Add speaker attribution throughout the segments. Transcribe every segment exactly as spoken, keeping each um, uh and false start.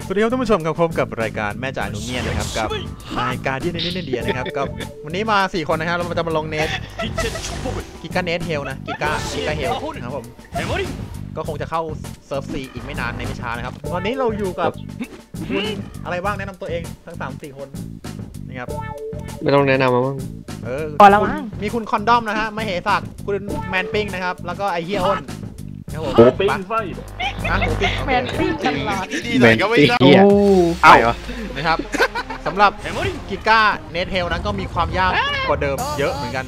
Speaker 1: สวัสดีครับท่านผู้ชมครับพบกับรายการแม่จ่าหนูเงียนนะครับกับรายการที่ในนิดเดียนะครับกับวันนี้มาสี่คนนะครับเราจะมาลงเนทกิกาเนทเฮลนะกิกากิกาเฮลนะครับผมก็คงจะเข้าเซิร์ฟซีอีกไม่นานในไม่ช้านะครับตอนนี้เราอยู่กับคุณอะไรบ้างแนะนำตัวเองทั้งสามสี่คนนะครับ
Speaker 2: ไม่ต้องแนะนำมาบ้าง
Speaker 1: เออพอแล้วมั้งมีคุณคอนดอมนะฮะมเหสักคุณแมนปิ้งนะครับแล้วก็ไอเฮียอ้น
Speaker 3: โอ้ปิ้งไฟ
Speaker 1: อ่ะหมูปิ้ง
Speaker 4: แมนปิ้งตลอด
Speaker 2: แมนปิ้ง
Speaker 1: โอ้เอาเหรอนะครับสำหรับกิก้าเนทเฮลนั้นก็มีความยากกว่าเดิมเยอะเหมือนกัน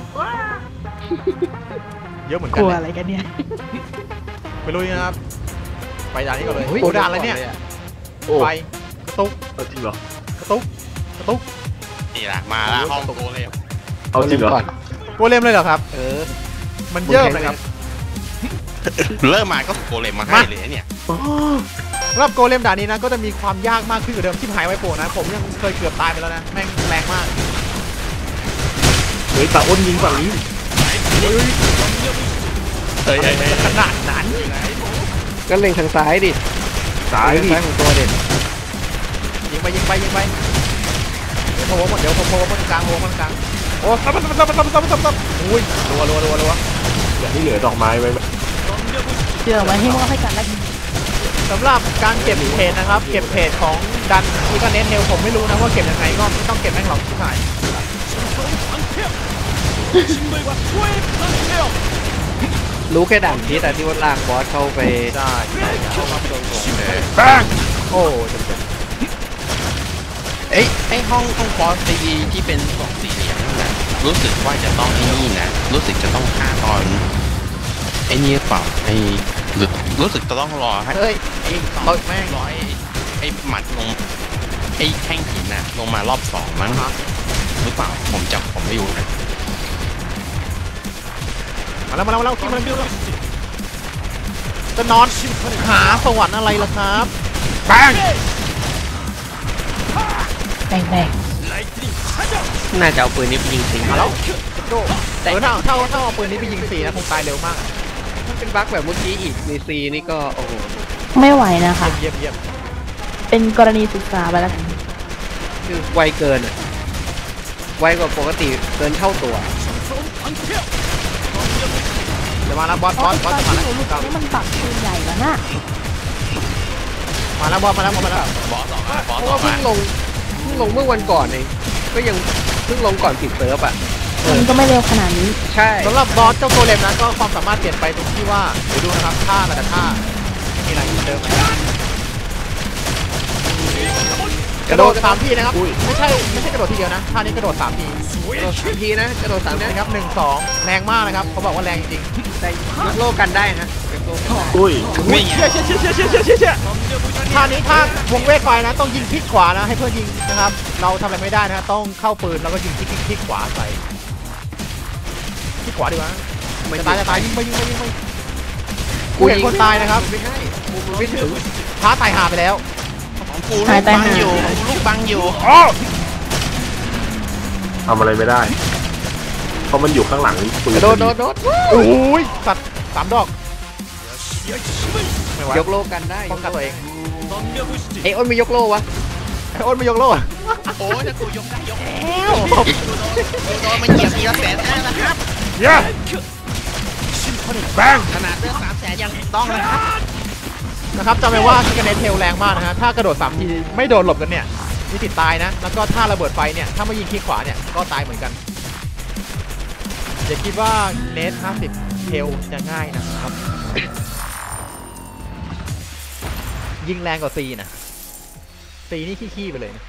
Speaker 1: เยอะเหมือนกัน
Speaker 4: กลัวอะไรกันเนี่ย
Speaker 1: ไปลุยนะครับไปด่านนี้ก่อนเลยโอ้ด่านอะไรเนี่ยไปกระตุก
Speaker 3: จริงเหร
Speaker 1: อกระตุกกระตุก
Speaker 5: นี่แหละมาแล้วห้องโกเลม
Speaker 3: เอาจริงเหรอ
Speaker 1: โกเลมเลยเหรอครับเออมันเยอะเลยครับ
Speaker 5: เริ่มมาก็โกเลมมาให้เลยเนี่ย
Speaker 1: สำหรับโกเลมด่านนี้นะก็จะมีความยากมากขึ้นกว่าเดิมที่หายไว้โปนะผมยังเคยเกือบตายไปแล้วนะแม่งแรงมาก
Speaker 3: เฮ้ยตาอ้นยิงฝั่งนี้
Speaker 1: เฮ้ยเฮ้ยขนาดนั้น
Speaker 2: ก็เล็งทางซ้ายดิ
Speaker 3: ซ้าย
Speaker 2: ซ้ายของตัวเด่น
Speaker 1: ยิงไปยิงไปยิงไปเดี๋ยวโผล่หมดเดี๋ยวโผล่หมดกลางโผล่หมดกลางโอ้ซับซับซับซับซับซับซับอุ้ยรัวรัวรัวรัว
Speaker 3: อย่าที่เหลือดอกไม้ไว้
Speaker 4: เชื่อไว้ให้ว่าให้กันแล้ว
Speaker 1: สำหรับการเก็บเพจนะครับเก็บเพจของดันอีกาเนทเฮลผมไม่รู้นะว่าเก็บยังไงก็ไม่ต้องเก็บแม่งหรอกที่ไหน
Speaker 2: รู้แค่ด่านพีแต่ที่ว่าลากบอสเข้าไป
Speaker 1: ได้เข้ามาโดนเลยโอ้เจ็บ
Speaker 5: เอ้ยไอห้องห้องบอสตีที่เป็นสองสี่เหลี่ยมนั่นแหละรู้สึกว่าจะต้องไอ้นี่นะรู้สึกจะต้องฆ่าตอนไอ้นี่เปล่าไอ้รู้สึกจะต้องรอให้
Speaker 1: เฮ้ย
Speaker 5: ไอ้ตอนแม่งรอไอ้ไอ้หมัดลงไอ้แท่งหินนะลงมารอบสองมั้งหรือเปล่าผมจำผมไม่รู้นะ
Speaker 1: มาแล้วมาแล้วมาแล้วคิดมาแล้วจะนอนหาสวรรค์อะไรล่ะครับแบง
Speaker 4: แบงแบง
Speaker 2: น่าจะเอาปืนนี้ไปยิงสิง
Speaker 1: มาแล้วโดแต่ถ้าถ้าถ้าเอาปืนนี้ไปยิงสีนะคงตายเร็วมาก
Speaker 2: ถ้าเป็นบั๊กแบบเมื่อกี้อีกในซีนี่ก็โอ้โห
Speaker 4: ไม่ไหวนะคะ
Speaker 1: เยี่ยมเยี่ยม
Speaker 4: เป็นกรณีศึกษาไปแล้วกัน
Speaker 2: คือไวเกินอ่ะไวกว่าปกติเกินเท่าตัว
Speaker 1: จะมาแล้วบอสบอสบอสจะมาแล้ว
Speaker 4: มันปักปืนใหญ่แล้วนะ
Speaker 1: มาแล้วบอสมาแล้วมาแล้ว
Speaker 5: บอสออกมาบอส
Speaker 2: ออกมาเพิ่งลงเพิ่งลงเมื่อวันก่อนเองก็ยังเพิ่งลงก่อนปิดเซิร์ฟอ่ะ
Speaker 4: มันก็ไม่เร็วขนาดนี้
Speaker 2: ใช่
Speaker 1: สำหรับบอสเจ้าโกเลมนะก็ความสามารถเปลี่ยนไปตรงที่ว่าเดี๋ยวดูนะครับท่าแต่ละท่ามีอะไรเหมือนเดิมไหมกระโดดสามทีนะครับไม่ใช่ไม่ใช่กระโดดทีเดียวนะท่านี้กระโดดสามที
Speaker 2: กระโดดสามทีนะกระโดดสามที
Speaker 1: นะครับหนึ่งสองแรงมากนะครับเขาบอกว่าแรงจริง
Speaker 2: แต่ยกโลกันได้นะ
Speaker 3: อุ้ย
Speaker 1: เชี่ยเชี่ยเชี่ยเชี่ยเชี่ยเชี่ยเชี่ยเชี่ยท่านี้ท่าวงเวทไฟนะต้องยิงคลิกขวานะให้เพื่อนยิงนะครับเราทำอะไรไม่ได้นะต้องเข้าปืนแล้วก็ยิงคลิกคลิกขวาใส่คลิกขวาดีกว่าจะตายจะตายยิงไปยิงไปยิงไปกูเห็นคนตายนะครับ
Speaker 2: ไม่ใช่
Speaker 1: ไม่ถึงท้าตายหาไปแล้ว
Speaker 5: กูลูกบังอยู่ลูกบังอยู่
Speaker 3: ทำอะไรไม่ได้เพราะมันอยู่ข้างหลังปืน
Speaker 1: โดดโดดโดดโอ้ยสัตว์สามดอก
Speaker 2: ยกโลกันได้
Speaker 1: ป้องกันตัวเอง
Speaker 2: ไอ้อ้นไม่ยกโลวะ
Speaker 1: ไอ้อ้นไม่ยกโลอะ
Speaker 5: โอ้ยถ้ากูยกได้ยกแล้วโดนมันเหยียบทีละแสนได้นะครับ
Speaker 1: เย้แบง
Speaker 5: ขนาดเลือดสามแสนยังต้องนะครับ
Speaker 1: นะครับจำไว้ว่ากิกาเนทเฮลแรงมากนะฮะถ้ากระโดดสามทีไม่โดนหลบกันเนี่ยมีติดตายนะแล้วก็ถ้าระเบิดไฟเนี่ยถ้าไม่ยิงคลิกขวาเนี่ยก็ตายเหมือนกันอย่าคิดว่าเนทห้าสิบเฮลจะง่ายนะครับยิงแรงกว่าซีนะซีนี่ขี้ๆไปเลย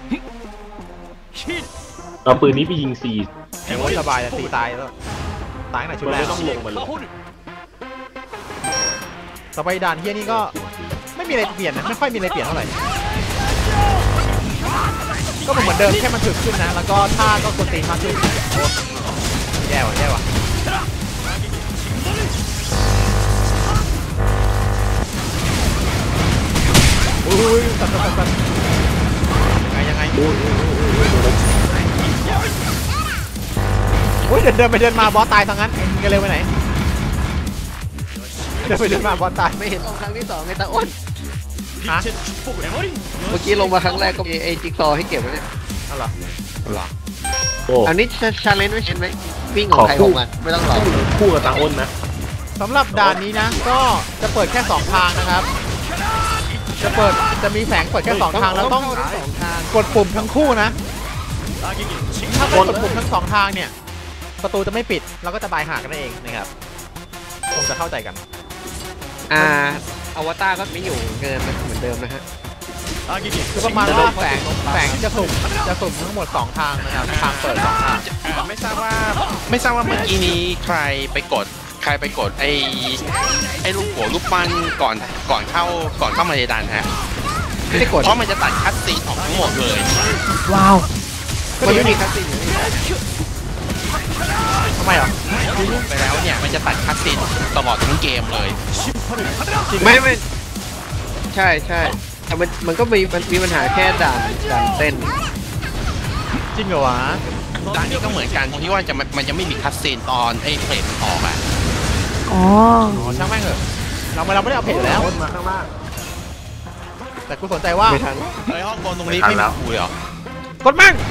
Speaker 3: เอาปืนนี้ไปยิงซี
Speaker 1: แต่ว่าสบายแต่ซีตายแล้วตายในชุดแรก
Speaker 3: ต้องลงมาเลย
Speaker 1: ต่อไปด่านเฮียนี่ก็ไม่มีอะไรเปลี่ยนนะไม่ค่อยมีอะไรเปลี่ยนเท่าไหร่ก็เหมือนเดิมแค่มันถึกขึ้นนะแล้วก็ท่าก็กดตีมากขึ้นแย่ว่ะแย่ว่ะอุ้ยตัดตัดตัดยังไงยังไงอุ้ยเดินเดินไปเดินมาบอสตายทั้งนั้นมึงจะเร็วไปไหนเดินไปเดินมาบอสตาย
Speaker 2: ไม่เห็นตรงครั้งที่สองไงตาอ้น
Speaker 1: ฮะ
Speaker 2: เมื่อกี้ลงมาครั้งแรกก็มีไอ้จิ๊กซอว์ให้เก็บไว้เนี่ย
Speaker 1: เอาเหรอ
Speaker 5: หรอ
Speaker 3: โอ้
Speaker 2: อันนี้ชาเลนจ์ไม่ใช่ไหมวิ่งของใครของมันไม่ต้องรอ
Speaker 3: คู่กับตาอ้นนะ
Speaker 1: สำหรับด่านนี้นะก็จะเปิดแค่สองทางนะครับ จะเปิดจะมีแสงเปิดแค่สองทางแล้วต้อง
Speaker 2: เข้าทั้งสองทาง
Speaker 1: กดปุ่มทั้งคู่นะ ถ้าไม่กดปุ่มทั้งสองทางเนี่ยประตูจะไม่ปิดเราก็จะบายหากันนั่นเองนะครับคงจะเข้าใจกัน
Speaker 2: อ่าอวตารก็ไม่อยู่เกินนะเหมือนเดิมนะฮะ
Speaker 1: คือประมาณว่าแสงแสงจะสุ่มจะสุ่มทั้งหมดสองทางนะครับทางเปิดสองทาง
Speaker 5: ไม่ทราบว่าไม่ทราบว่าเมื่อกี้นี้ใครไปกดใครไปกดไอ้ไอ้ลูกหัวลูกปั้นก่อนก่อนเข้าก่อนเข้ามาในดันฮะ
Speaker 2: ไม่ได้กด
Speaker 5: เพราะมันจะตัดคัสซีนออกทั้งหมดเลย
Speaker 4: ว้าว
Speaker 2: มันไม่มีคัสซีนอยู่นี่
Speaker 1: ทำไมอ่ะ
Speaker 5: คือลูกไปแล้วเนี่ยมันจะตัดคัสซีนตลอดทั้งเกมเลย
Speaker 2: ไม่ไม่ใช่ใช่แต่มันมันก็มีมันมีปัญหาแค่ด่านด่านเต้น
Speaker 1: จริงเหรอวะ
Speaker 5: ด่านนี้ก็เหมือนกันตรงที่ว่าจะมันมันจะไม่มีคัสซีนตอนไอ้เพลทมันออกอ่ะ
Speaker 4: อ๋อ
Speaker 1: อ๋อช่างแม่งเถอะเราไม่เราไม่ได้เอาเพจอยู่แล้ว
Speaker 3: อ้นมาข้างล่าง
Speaker 1: แต่กูสนใจว่า
Speaker 2: ไม่ทัน
Speaker 5: ไอ้ห้องบนตรงนี้
Speaker 3: ไม่ทัน
Speaker 5: ไม่
Speaker 3: แล้
Speaker 5: มี
Speaker 3: ว
Speaker 5: คุยเหรอก
Speaker 1: ดมั่ง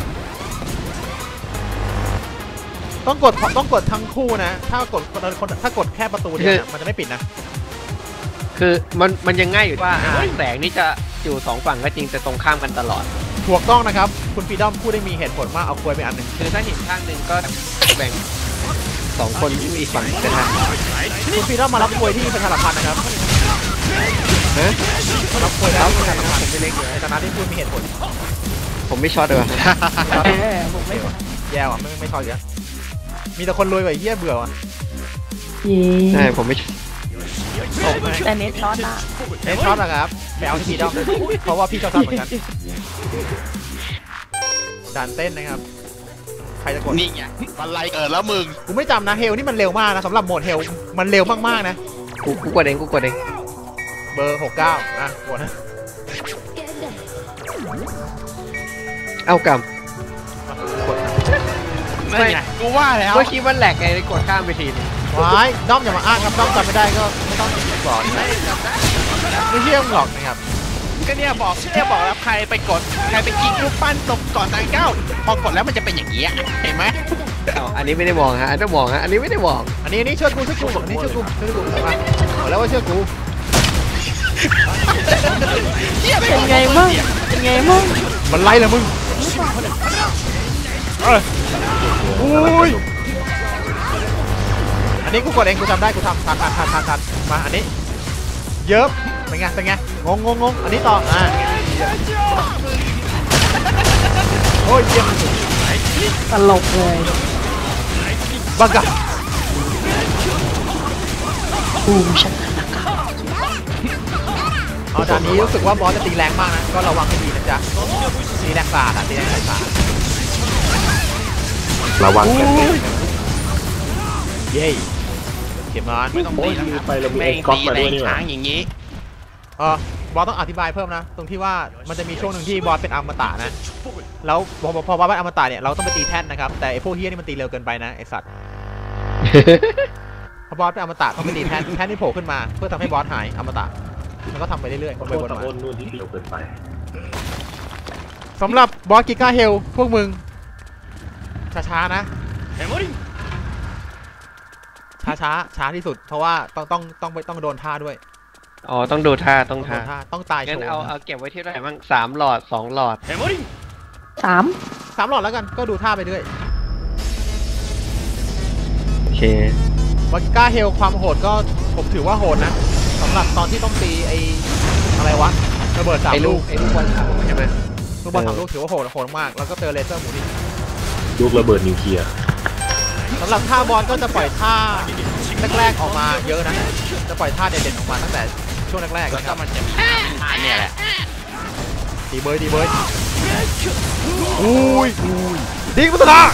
Speaker 1: ต้องกดต้องกดทั้งคู่นะ ถ้ากดคนถ้ากดแค่ประตูเดียวเนี่ยมันจะไม่ปิดนะ
Speaker 2: คือมันมันยังง่ายอยู่ว่าอ่าแสงนี่จะอยู่สองฝั่งก็จริงแต่ตรงข้ามกันตลอด
Speaker 1: ถูกต้องนะครับคุณฟรีดอมพูดได้มีเหตุผลมากเอาควยไปอันหนึ่ง
Speaker 2: คือถ้าเห็นข้างหนึ่งก็แบ่งสองคนที่อีกฝั่งก็ได้
Speaker 1: คุณฟรีดอมมารับควยที่ประชาสัมพันธ์นะครับ
Speaker 2: ฮะ
Speaker 1: รับควยแล้วประชาสัมพันธ์
Speaker 2: ผมไม่เล็กอยู่
Speaker 1: ในฐานะที่พูดมีเหตุผล
Speaker 2: ผมไม่ช็อตเลยวะ
Speaker 4: เออผมไม่
Speaker 1: แย่ว่ะไม่ไม่ชอบเยอะมีแต่คนรวยกว่าไอ้เหี้ยเบื่อว่ะ
Speaker 4: เย้
Speaker 2: ใช่ผมไม่
Speaker 1: ตกไหม
Speaker 4: แต่เน็ตช็อตอะ
Speaker 1: เน็ตช็อตนะครับไปเอาที่ฟรีดอมนะเพราะว่าพี่ชอบช็อตเหมือนกันด่านเต้นนะครับใครจะกด
Speaker 5: นี่ไงบันไลเกิดแล้วมึง
Speaker 1: กูไม่จำนะเฮลนี่มันเร็วมากนะสำหรับโหมดเฮลมันเร็วมากๆนะ
Speaker 2: กูกูกดเองกูกดเอง
Speaker 1: เบอร์หกเก้าอ่ะกดนะ
Speaker 2: เอ้าก
Speaker 5: นั่นไงกูว่าแล้
Speaker 2: ำ
Speaker 5: ว
Speaker 2: เมื่อกี้มันแหลกไงเลยกดข้ามไปทีนึง
Speaker 1: ว้ายด้อมอย่ามาอ้างครับด้อมจำไม่ได้ก็ไม่ต้องกดไม่เชื่อมงหรอกนะครับ
Speaker 5: ก็เนี่ยบอกเนี่ยบอกแล้วใครไปกดใครไปกิ๊กรูปปั้นตรงก่อนทางเก้าพอกดแล้วมันจะเป็นอย่างนี้ยเห็นไหม
Speaker 2: เอ้าอันนี้ไม่ได้มองฮะอันนี้มองฮะอันนี้ไม่ได้มอง
Speaker 1: อันนี้อันนี้เชื่อกูเชื่อกูอันนี้เชื่อกูเชื่อกูมาบอกแล้วว่าเชื่อกู
Speaker 4: เป็นไงมั่งเป็นไงมั่ง
Speaker 1: มันไล่เลยมึงเอ้ยอุ้ยอันนี้กูกดเองกูจำได้กูทำทันทันทันทันทันมาอันนี้เยอะเป็นไงเป็นไงงงงงงอันนี้ต่ออ่ะโอ้ยเยี่ยม
Speaker 4: ตลกเลย
Speaker 1: บังกะ
Speaker 4: บูมชัก
Speaker 1: เอาด่านนี้รู้สึกว่าบอสจะตีแรงมากนะก็ระวังให้ดีนะจ๊ะตีแรงสาดอ่ะตีแรงสาด
Speaker 3: ระวังกันเอง
Speaker 1: เย้เข็มร้อน
Speaker 5: ไม่ต้องตีแล้วครับ
Speaker 3: ไปเรามี
Speaker 5: แม่
Speaker 3: ไอ้
Speaker 5: ง
Speaker 3: ก๊อฟ
Speaker 5: ตี
Speaker 3: มา
Speaker 5: แร
Speaker 3: ด้วย
Speaker 5: ง
Speaker 3: นี่หว่า
Speaker 5: ช้างอย่างนี้
Speaker 1: เออบอสต้องอธิบายเพิ่มนะตรงที่ว่ามันจะมีช่วงหนึ่งที่บอสเป็นอมตะนะแล้วพอพอบอสเป็นอมตะเนี่ยเราต้องไปตีแท่นนะครับแต่ไอพวกเฮี้ยนี่มันตีเร็วเกินไปนะไอสัตว์พอบอสเป็นอมตะต้องไปตีแท่นแท่นที่โผล่ขึ้นมาเพื่อทำให้บอสหายอมตะมันก็ทำไปเรื่อยๆวนไป
Speaker 3: โค
Speaker 1: วน
Speaker 3: ตร
Speaker 1: มา
Speaker 3: อ้นนู่นที่เดียวเกินไป
Speaker 1: สำหรับบอสกิก้าเฮลพวกมึงช้าๆนะช้าช้าช้าที่สุดเพราะว่าต้องต้องต้องไปต้องโดนท่าด้วย
Speaker 2: อ๋อต้องดูท่าต้อง
Speaker 1: โด
Speaker 2: ท่าน
Speaker 1: ท่าต้องตายโช
Speaker 2: งั้น
Speaker 1: ว์
Speaker 2: เอาเอาเก็บไว้ที่ไหนบ้างสามหลอดสองหลอด
Speaker 4: สาม
Speaker 1: สามหลอดแล้วกันก็ดูท่าไปเรื่อย
Speaker 2: โอเค
Speaker 1: บอสกิก้าเฮลความโหดก็ผมถือว่าโหดนะสำหรับตอนที่ต้องตีไออะไรวะระเบิดสาม
Speaker 2: ไอ้ลู
Speaker 1: ลู
Speaker 2: ก
Speaker 1: ก
Speaker 2: ไอ้ลูกบอลสามใช่ไหม
Speaker 1: ลูกบอลสามลูกถือว่าโหดโหดมากแล้วก็เจอเลเซอร์หมูนี่
Speaker 3: ลูกระเบิดนิวเคลียร์
Speaker 1: สำหรับท่าบอลก็จะปล่อยท่าแรกๆออกมาเยอะนะจะปล่อยท่าเด่นๆออกมาตั้งแต่ช่วงแรกๆ
Speaker 5: แล้ว
Speaker 1: นะค
Speaker 5: ก็
Speaker 1: รับ
Speaker 5: มันจะมีท่าเนี่ยแหละ
Speaker 1: ดีเบยดีเบยอุ้ยอุ้ยดิ้งพัฒนา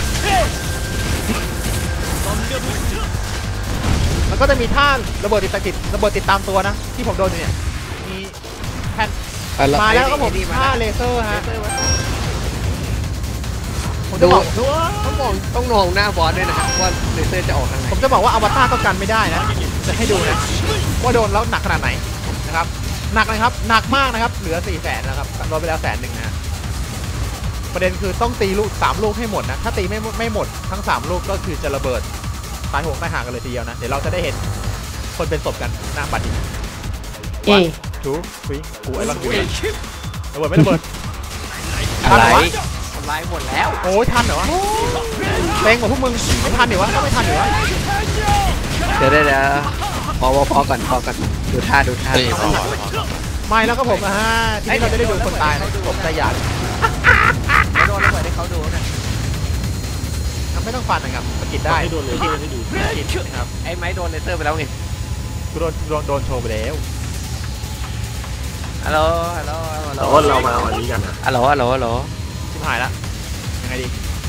Speaker 1: แล้วก็จะมีท่าระเบิดติดติดระเบิดติดตามตัวนะที่ผมโดนอยู่เนี่ยมีแผ่น
Speaker 2: อ่ะ
Speaker 1: มาแล้วก็ผม
Speaker 2: ไอ้นี่มา
Speaker 1: ท่า
Speaker 2: แล้ว
Speaker 1: เลเซอร์ฮะผม
Speaker 2: ดู
Speaker 1: จะบอก
Speaker 2: ต้องมองต้องมองหน้าบอสด้วยนะครับว่าเลเซอร์จะออกทางไหน
Speaker 1: ผมจะบอกว่าอวตารก็กันไม่ได้นะจะให้ดูนะว่าโดนแล้วหนักขนาดไหนนะครับหนักนะครับหนักมากนะครับเหลือสี่แสนนะครับลดไปแล้วแสนหนึ่งนะฮะประเด็นคือต้องตีลูกสามลูกให้หมดนะถ้าตีไม่ไม่หมดทั้งสามลูกก็คือจะระเบิดตายโหงตายห่างกันเลยทีเดียวนะเดี๋ยวเราจะได้เห็นคนเป็นศพกันหน้าบัตรนี้
Speaker 4: เอ
Speaker 1: ทูฟิงกูไอ้ลังกูระเบิดไม่ระเบิด
Speaker 2: อะไร
Speaker 1: ทำลายหมดแล้วโอ้ยทันเหรอวะเต็งกว่าพวกมึงไม่ทันเหรอวะก็ไม่ทันเหรอวะ
Speaker 2: เดี๋ยวเดี๋ยวเดี๋ยวพอพอพอก่อนพอก่อนดูท่าดูท่า
Speaker 5: เฮ้ยพอพอพอ
Speaker 1: ไม่แล้วก็ผมอ่ะฮะทีนี้เราจะได้ดูคนตายนะผมใจหยาดโดนระเบิดให้เขาดูนะไม่ต้องฟันนะครับสกิดได้
Speaker 3: ให้โดนเลยให้ดู
Speaker 1: สกิดนะครับ
Speaker 2: ไอ้ไม้โดนเลเซอร์ไปแล้วไง
Speaker 1: กูโดนโดนโดนโชว์ไปแล้ว
Speaker 2: ฮัลโหลฮัลโหลฮัลโหล
Speaker 3: แต่ว่าเรามาเอาอันนี้กันนะ
Speaker 2: ฮัลโหลฮัลโหลฮัลโหล
Speaker 1: ชิบหายละยังไงดี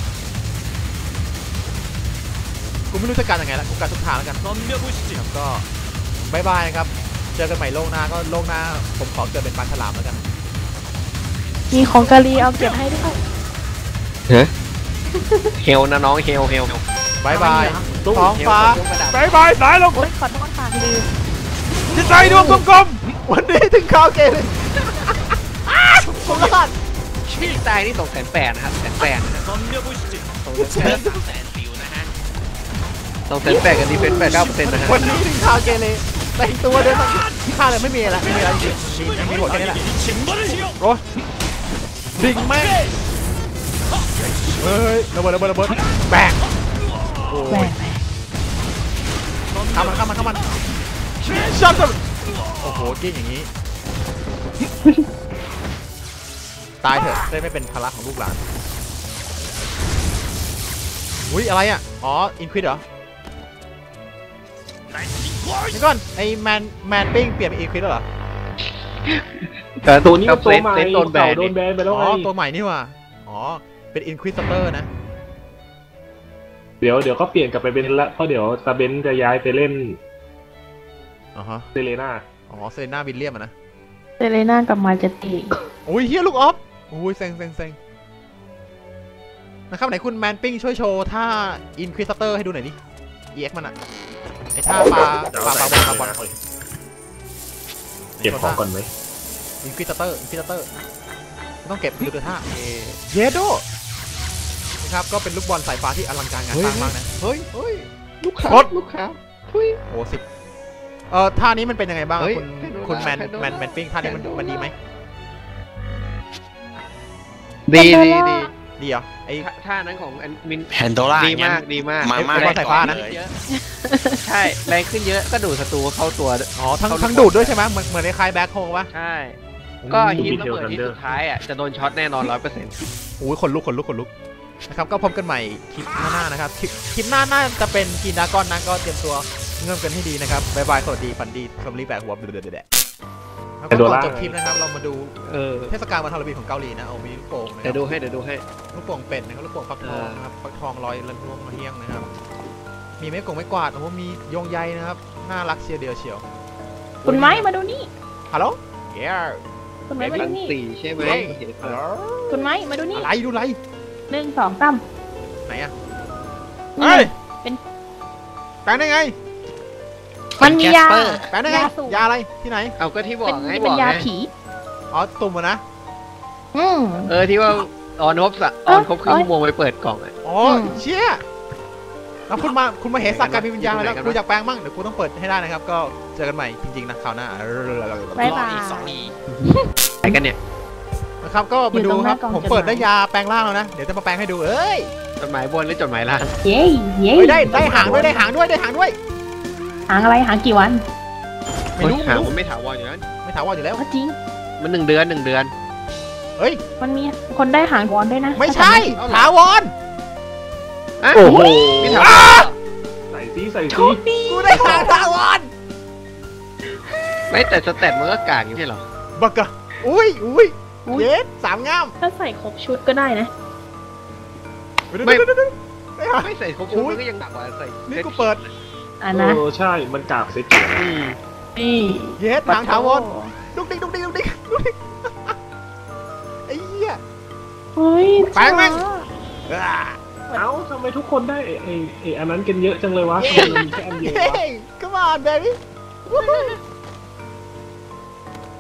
Speaker 1: กูไม่รู้จะการยังไงละกูการทุกทางแล้วกันครับก็บายบายนะครับเจอกันใหม่โลกหน้าก็โลกหน้าผมขอเกิดเป็นปลาฉลามแล้วกัน
Speaker 4: มีของกาลีเอาเก็บให้ด้วย
Speaker 2: เฮ้ยเฮลนะน้องเฮลเฮล
Speaker 1: บายบาย
Speaker 3: ตุ้ง
Speaker 1: ท้องฟ้า
Speaker 2: เฮลประดับบ
Speaker 1: ายบายสายลม
Speaker 4: โอ๊ยขอโทษค่ะลืม
Speaker 1: จิตใจดวงกลมๆวันนี้ถึงข่าวเกมผมรอด
Speaker 2: พี่ตายนี่สองแสนแปดนะครับแสนแปดนะฮะ
Speaker 5: แสนฟิวนะฮะ
Speaker 2: สองแสนแปดกับดีเฟนส์แปดเก้าเปอร์เซ็นต์นะฮะ
Speaker 1: วันนี้ถึงข่าวเกเรแต่งตัวเดินข้าเลยไม่มีอะไรไม่มีอะไรจริงมีมีหัวแค่นี้แหละโอ้ดิ่งแม่งเฮ้ยระเบิดระเบิดระเบิดแบกโอ้
Speaker 4: แหวย น
Speaker 1: ข้ามันข้ามันข้ามันช็อตโอ้โหกิ้งอย่างนี้ตายเถอะได้ไม่เป็นภาระของลูกหลานอุ้ยอะไรอ่ะอ๋ออินควิดเหรอนี่ก่อนไอแมนแมนปิ้งเปลี่ยนเป็นอินควิดแล้วเหรอ
Speaker 3: ตัวนี้มันตัวใหม่
Speaker 2: เซนโดนแบ
Speaker 3: เก่าน โดนแบนไปแล้ว
Speaker 1: อ๋
Speaker 3: ไง
Speaker 1: อตัวใหม่นี่ว่ะอ๋อเป็นอินควิดเตอร์นะ
Speaker 3: เดี๋ยวเดี๋ยวก็เปลี่ยนกลับไปเป็นละเพราะเดี๋ยวตาเบนจะย้ายไปเล่น
Speaker 1: อ๋อฮะ
Speaker 3: เซเลน่า
Speaker 1: อ๋อเซเลน่าวิลเลียมอะนะ
Speaker 4: เซเลน่ากับมาเจติ
Speaker 1: โอ้ยเฮียลูกออฟโอ้ยเซ็งเซ็งเซ็งนะครับไหนคุณแมนปิ้งช่วยโชว์ท่าอินควิสเตอร์ให้ดูหน่อยดิเอ็กมันอะไอท่าปลาปลาปลาบอลปลาบอล
Speaker 3: เก็บของก่อนไหม
Speaker 1: อินควิสเตอร์อินควิสเตอร์ต้องเก็บดูตัวท่าเยโดนะครับก็เป็นลูกบอลสายฟ้าที่อลังการงานสร้างมากนะ
Speaker 2: เฮ้ยเฮ้ยลูกค้า
Speaker 1: กด
Speaker 2: ลูกค้าทุย
Speaker 1: โอ้สิบเอ่อท่านี้มันเป็นยังไงบ้าง
Speaker 2: เฮ้ย
Speaker 1: คุณ
Speaker 2: ให้ดู
Speaker 1: คุณแมน
Speaker 2: ให้ดู
Speaker 1: แมนแมนปิ้งท่านี้มันมันดีไหม
Speaker 2: ดีดีดี
Speaker 1: ดีเหรอไอ
Speaker 2: ท่าท่านั้นของอันมิน
Speaker 5: แพนโดล่า
Speaker 2: ดีมากดีมาก
Speaker 5: มาม่า
Speaker 1: ไอ้บอลสายฟ้านะ
Speaker 5: เลย
Speaker 2: ใช่แรงขึ้นเยอะก็ดูดศัตรูเข้าตัว
Speaker 1: อ๋อทั้ง
Speaker 2: เขา
Speaker 1: ทั้งดูดด้วยใช่ไหมเหมือนเหมือนในคล้ายแบ็คโฮปะ
Speaker 2: ใช่ ก็ฮิตระเบิดที่สุดท้ายอ่ะจะโดนช็อตแน่นอนร้อยเปอร์เซ็นต์
Speaker 1: โอ้ยคนลุกคนลุกคนลุกนะครับก็พบกันใหม่คลิปหน้าๆนะครับคลิปคลิปหน้าน่าจะเป็นกีนดากอนนะก็เตรียมตัวเงื่อนกันให้ดีนะครับบายบายสวัสดีฝันดีสมรีแบกหัวเดือดเดือดแล้วก็ก่อนจบคลิปนะครับเรามาดู
Speaker 2: เออ
Speaker 1: เทศกาลวันฮาโลวีนของเกาหลีนะเอามีลูกโป่งนะค
Speaker 2: เดี๋
Speaker 1: รั
Speaker 2: ยวดูให้เดี๋ยวดูให้
Speaker 1: ลูกโป่งเป็ดนะครับลูกโป่งฟักทองนะครับฟักทองลอยระลวงมาเฮี้ยงนะครับมีไม้กงไม้กวาดโอ้โหมีโยงใยนะครับน่ารักเชียวเดียวเชียว
Speaker 4: คุณไม้มาดูนี่
Speaker 1: ฮัลโหลเย้
Speaker 4: คุณไม้มา
Speaker 2: รั
Speaker 4: ดู
Speaker 2: น
Speaker 4: นี่
Speaker 2: สี่ใช่ไหม
Speaker 1: ฮัลโหล
Speaker 4: คุณไม้มาดูนี่
Speaker 1: อะไรดูอะไร
Speaker 4: หนึ่งสองสาม
Speaker 1: ไหนอะ
Speaker 4: นี่
Speaker 1: เฮ้ย
Speaker 4: เป็น
Speaker 1: แปลงได้ไง
Speaker 4: มันมียา
Speaker 1: แปลงได้ไง
Speaker 4: ยาสูบ
Speaker 1: ยาอะไรที่ไหน
Speaker 2: เอาก็ที่บอ
Speaker 4: เป็น
Speaker 2: กไง
Speaker 4: เป็น
Speaker 2: บอก
Speaker 4: ยา
Speaker 2: ไง
Speaker 4: ผี
Speaker 1: อ๋อตุ่มอะนะ
Speaker 4: อืม
Speaker 2: เออที่ว่าออนครบสะออนครบครึ่งชั่วโมงไปเปิดกล่องอ่ะ
Speaker 1: อ๋อ
Speaker 4: อืม
Speaker 1: เชี่ยแล้วคุณมาคุณมาเห็นสักการมีวิญญาณ
Speaker 2: อยู่
Speaker 1: แล้ว
Speaker 2: ไหนกันวะ
Speaker 1: กูอยากแปลงมั่งเดี๋ยวกูต้องเปิดให้ได้นะครับ ก็เจอกันใหม่จริงๆนะคราวหน้า
Speaker 4: บ๊ายบาย
Speaker 5: อีกสองอี
Speaker 2: ไหนกันเนี่ย
Speaker 1: นะครับก็มาดู
Speaker 4: อยู่ตรงห
Speaker 1: ค
Speaker 4: น้า
Speaker 1: รับ
Speaker 4: กล่อง
Speaker 1: ผม
Speaker 4: จดหมาย
Speaker 1: เปิดได้ยาแปลงร่างแล้วนะเดี๋ยวจะมาแปลงให้ดูเอ้ย
Speaker 2: จดหมายบนหรือจดหมายล่าง
Speaker 4: เย้เย้
Speaker 1: เฮ้ยได้ได้หางด้วยได้หางด้วยได้หางด้วย
Speaker 4: หางอะไรหางกี่วัน
Speaker 1: ไม่รู้
Speaker 2: หา
Speaker 1: ไม่รู้
Speaker 2: มันไม่ถาวรอยู่แล้ว
Speaker 1: ไม่ถามว่าอยู่แล้ว
Speaker 4: ก็จริง
Speaker 2: มันหนึ่งเดือนหนึ่งเดือน
Speaker 1: เฮ้ย
Speaker 4: มันมีคนได้หางวอนด้วยนะ
Speaker 1: ไม่ใช่ถาวร
Speaker 2: อ่ะ
Speaker 3: โอ้โห
Speaker 2: ไม่ถาวร
Speaker 3: ใส่ซีใส่
Speaker 4: โช
Speaker 3: ซี
Speaker 4: คดี
Speaker 1: กูได้หางถาวร
Speaker 2: ไม่แต่สเตตมันก็กากอยู่ใช่เหรอ
Speaker 1: บักกะอุ้ยอุ้ยเย็ดสามงาม
Speaker 4: ถ้าใส่ครบชุดก็ได้นะ
Speaker 2: ไม่
Speaker 1: เดี๋ยวเดี๋ยวเดี๋ยวเดี๋ยว
Speaker 2: ไม่ใส่ครบชุดมันก็ยังหนักกว่าใส่
Speaker 1: นี่กูเปิด
Speaker 4: อ่ะ
Speaker 3: เอ
Speaker 4: นะ
Speaker 3: อใช่ มันกราบเซ็ต
Speaker 2: อืม
Speaker 4: นี่
Speaker 1: เย็ดหางถาวรดุกดิกดุกดิกดุกดิกดุกดิกไอ้เหี้ย
Speaker 4: เฮ้ย
Speaker 1: แปลงแม่ง
Speaker 4: จ๋า
Speaker 1: อ่า
Speaker 3: เอ้าทำไมทุกคนได้ไอ้ไอ้ไอ้อันนั้นกันเยอะจังเลยวะทำไมมันมีแค่อันเดียววะ
Speaker 1: Hey, come on, baby.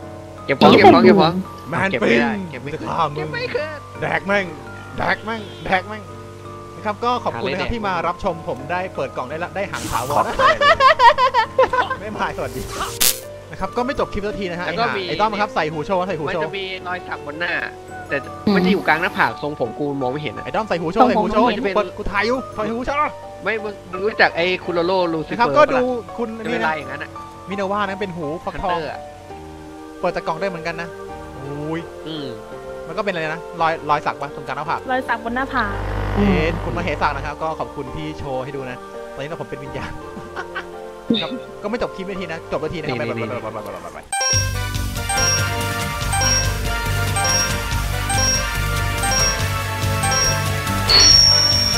Speaker 2: เก็บของเก็บของเก็บของ
Speaker 1: แมน
Speaker 2: เก็บ
Speaker 1: ปิ
Speaker 2: ไม่
Speaker 1: ง
Speaker 2: ได้เก็บไม่
Speaker 1: จะ
Speaker 2: ขึ้น
Speaker 1: ฆ่ามึ
Speaker 2: เก็บ
Speaker 1: ง
Speaker 2: ไม่ขึ้น
Speaker 1: แดกแม่งแดกแม่งแดกแม่งนะครับก็ขอบคุณนะครับที่มารับชมผมได้เปิดกล่องได้ละได้หางถาวรไม่มาสวัสดีนะครับก็ไม่จบคลิปสักทีนะฮะไอ้ห่าไอ้ต้อมครับใส่หูโชว์ใส่หู
Speaker 2: มัน
Speaker 1: โช
Speaker 2: จะ
Speaker 1: ว์
Speaker 2: มีรอยสักบนหน้า แต่มันจะอยู่กลางหน้าผากทรงผมกูมองไม่เห็นอะ
Speaker 1: ไอ้ต้อมใส่หูโชว์ใส่หูโชว์
Speaker 2: มันจะเป็น
Speaker 1: เปิดกูถ่ายอยู่ใส่หูโชว์
Speaker 2: ไม่มึงมึงรู้จักไอ้คุโรโรลูซิ
Speaker 1: นะ
Speaker 2: เฟ
Speaker 1: ครับ
Speaker 2: อร์
Speaker 1: ก็ดูคุณ
Speaker 2: จะ
Speaker 1: นี่
Speaker 2: เป็น
Speaker 1: นะ
Speaker 2: ลายอย่างนั้นอะ
Speaker 1: มินาว่านั้นเป็นหูฟัก
Speaker 2: ฮัน
Speaker 1: ทอ
Speaker 2: เต
Speaker 1: ง
Speaker 2: อร์อะ
Speaker 1: เปิดจากกล่องได้เหมือนกันนะอุ้ย
Speaker 2: อืม
Speaker 1: มันก็เป็นอะไรนะรอยรอยสักปะตรงกลางหน้าผาก
Speaker 4: รอยสักบนหน้าผาก
Speaker 1: เอ๊ะคุณมาเหสักนะครับก็ขอบคุณที่โชว์ให้ดูนะตอนนี้เราผมเป็นวิญญาณครับก็ไม่จบคลิปนาทีนะจบนาทีนะครับ
Speaker 2: นี่
Speaker 1: ไป
Speaker 2: นี่
Speaker 1: ไปไปไปไปไป